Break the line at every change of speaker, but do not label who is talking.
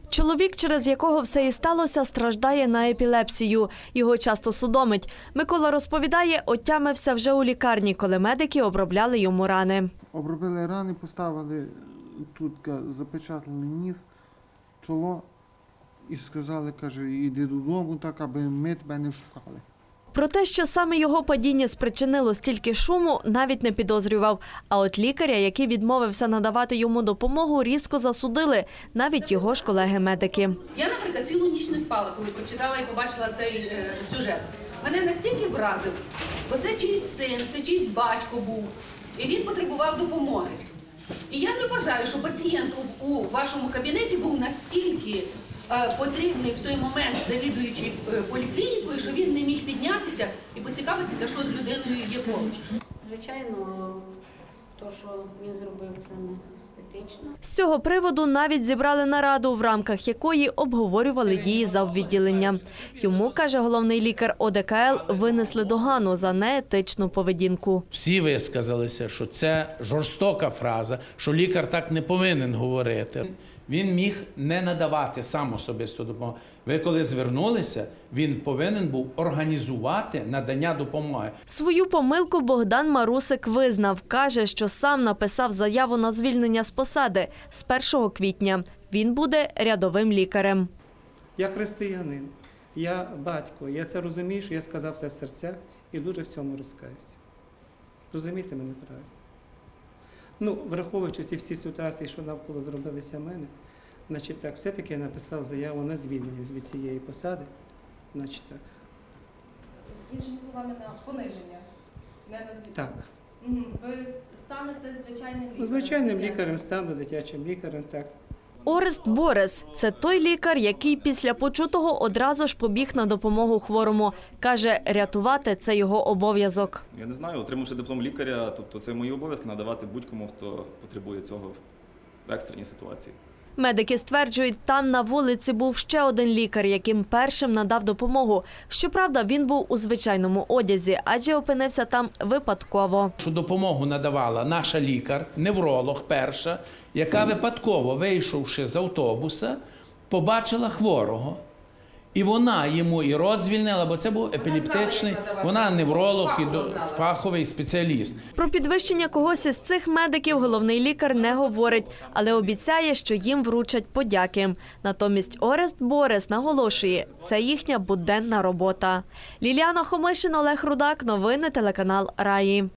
Чоловік, через якого все і сталося, страждає на епілепсію. Його часто судомить. Микола розповідає, отямився вже у лікарні, коли медики обробляли йому рани.
Обробили рани, поставили тут, запечатали ніс, чоло і сказали, каже, іди додому, так, аби ми тебе не шукали.
Про те, що саме його падіння спричинило стільки шуму, навіть не підозрював. А от лікаря, який відмовився надавати йому допомогу, різко засудили. Навіть його ж колеги-медики.
Я, наприклад, цілу ніч не спала, коли прочитала і побачила цей сюжет. Мене настільки вразив, бо це чийсь син, це чийсь батько був, і він потребував допомоги. І я не вважаю, що пацієнт у вашому кабінеті був настільки потрібний в той момент завідуючий поліклінікою, що він не міг піднятися і поцікавитися, що з людиною є поруч.
Звичайно, то, що він зробив, це не етично.
З цього приводу навіть зібрали нараду, в рамках якої обговорювали дії заввідділення. Йому, каже головний лікар ОДКЛ, винесли догану за неетичну поведінку.
Всі висказалися, що це жорстока фраза, що лікар так не повинен говорити. Він міг не надавати сам особисту допомогу. Ви коли звернулися, він повинен був організувати надання допомоги.
Свою помилку Богдан Марусик визнав. Каже, що сам написав заяву на звільнення з посади з 1 квітня. Він буде рядовим лікарем.
Я християнин, я батько, я це розумію, що я сказав це в серцях і дуже в цьому розкаюся. Розумієте мене правильно? Враховуючи ці всі ситуації, що навколо зробилися в мене, значить так, все-таки я написав заяву на звільнення від цієї посади, значить так.
Іншими словами, на пониження, не на звільнення?
Так.
Ви станете звичайним лікарем?
Звичайним лікарем стану, дитячим лікарем, так.
Орест Борис – це той лікар, який після почутого одразу ж побіг на допомогу хворому. Каже, рятувати – це його обов'язок.
Я не знаю, отримавши диплом лікаря, тобто це мої обов'язки надавати будь-кому, хто потребує цього в екстреній ситуації.
Медики стверджують, там на вулиці був ще один лікар, яким першим надав допомогу. Щоправда, він був у звичайному одязі, адже опинився там випадково.
Що допомогу надавала наша лікар, невролог перша, яка випадково, вийшовши з автобуса, побачила хворого. І вона йому і рот звільнила, бо це був епілептичний, вона невролог і фаховий спеціаліст.
Про підвищення когось із цих медиків головний лікар не говорить, але обіцяє, що їм вручать подяки. Натомість Орест Борис наголошує, це їхня буденна робота. Ліліана Хомишин, Олег Рудак, новини телеканал Раї.